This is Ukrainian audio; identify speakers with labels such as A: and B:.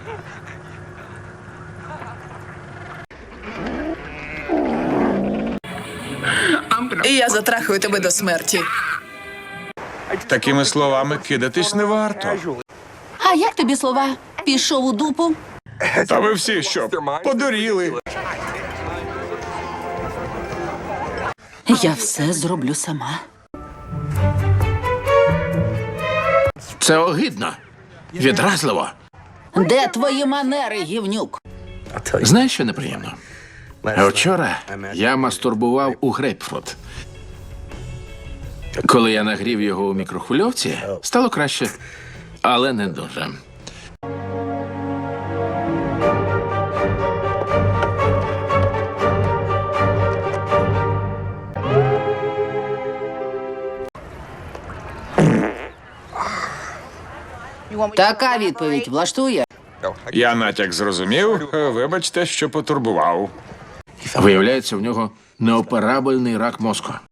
A: І я затрахую тебе до смерті.
B: Такими словами кидатись не варто.
C: А як тобі слова? Пішов у дупу?
B: Та ви всі що, подуріли?
C: Я все зроблю сама.
D: Це огидно. Відразливо.
C: Де твої манери, гівнюк?
D: Знаєш, що неприємно? Вчора я мастурбував у грейпфрут. Коли я нагрів його у мікрохвильовці, стало краще, але не дуже.
C: Така відповідь влаштує.
B: Я натяк зрозумів. Вибачте, що потурбував.
D: Виявляється, в нього неоперабельний рак мозку.